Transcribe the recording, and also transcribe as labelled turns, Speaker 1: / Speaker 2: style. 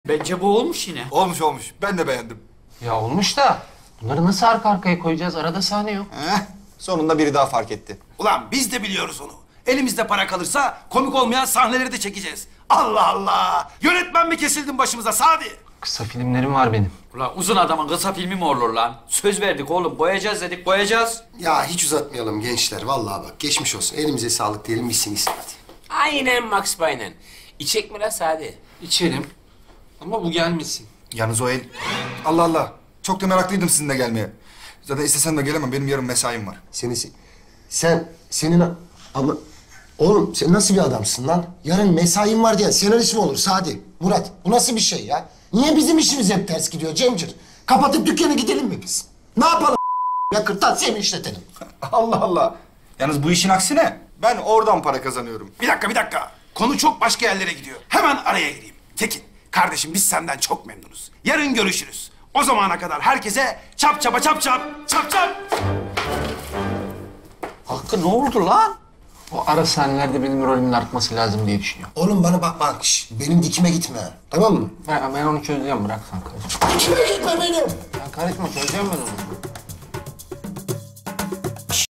Speaker 1: Bence bu olmuş yine.
Speaker 2: Olmuş olmuş. Ben de beğendim.
Speaker 3: Ya olmuş da bunları nasıl arka arkaya koyacağız? Arada sahne yok.
Speaker 2: Sonunda biri daha fark etti.
Speaker 4: Ulan biz de biliyoruz onu. Elimizde para kalırsa komik olmayan sahneleri de çekeceğiz. Allah Allah! Yönetmen mi kesildin başımıza Sadi?
Speaker 3: Kısa filmlerim var benim.
Speaker 1: Ulan uzun adamın kısa filmi mi olur lan? Söz verdik oğlum, boyayacağız dedik, boyayacağız.
Speaker 5: Ya hiç uzatmayalım gençler. Vallahi bak geçmiş olsun. Elimize sağlık diyelim, bitsin gitsin hadi.
Speaker 6: Aynen Max Payne'en. İçek mi lan Sadi?
Speaker 3: İçerim. Ama bu gelmesin.
Speaker 2: Yalnız o el... Allah Allah. Çok da meraklıydım sizinle gelmeye. Zaten istesem de gelemem. Benim yarın mesaim var.
Speaker 5: Senin ama... Oğlum sen nasıl bir adamsın lan? Yarın mesain var diye senarist mi olur Sadi? Murat bu nasıl bir şey ya? Niye bizim işimiz hep ters gidiyor Cemcir? Kapatıp dükkana gidelim mi biz? Ne yapalım ya kırtasiye mi işletelim?
Speaker 2: Allah Allah. Yalnız bu işin aksine ben oradan para kazanıyorum.
Speaker 4: Bir dakika. Konu çok başka yerlere gidiyor. Hemen araya gireyim. Tekin, kardeşim biz senden çok memnunuz. Yarın görüşürüz. O zamana kadar herkese çap çapa çap çap, çap çap.
Speaker 1: Hakkı ne oldu lan?
Speaker 3: O ara sahnelerde benim rolümün artması lazım diye düşünüyorum.
Speaker 5: Oğlum bana bak şş, benim dikime gitme tamam mı?
Speaker 3: Ben onu çözeceğim, bırak sen karışma.
Speaker 5: Dikime gitme benim.
Speaker 3: Sen karışma, çözeceğim ben onu.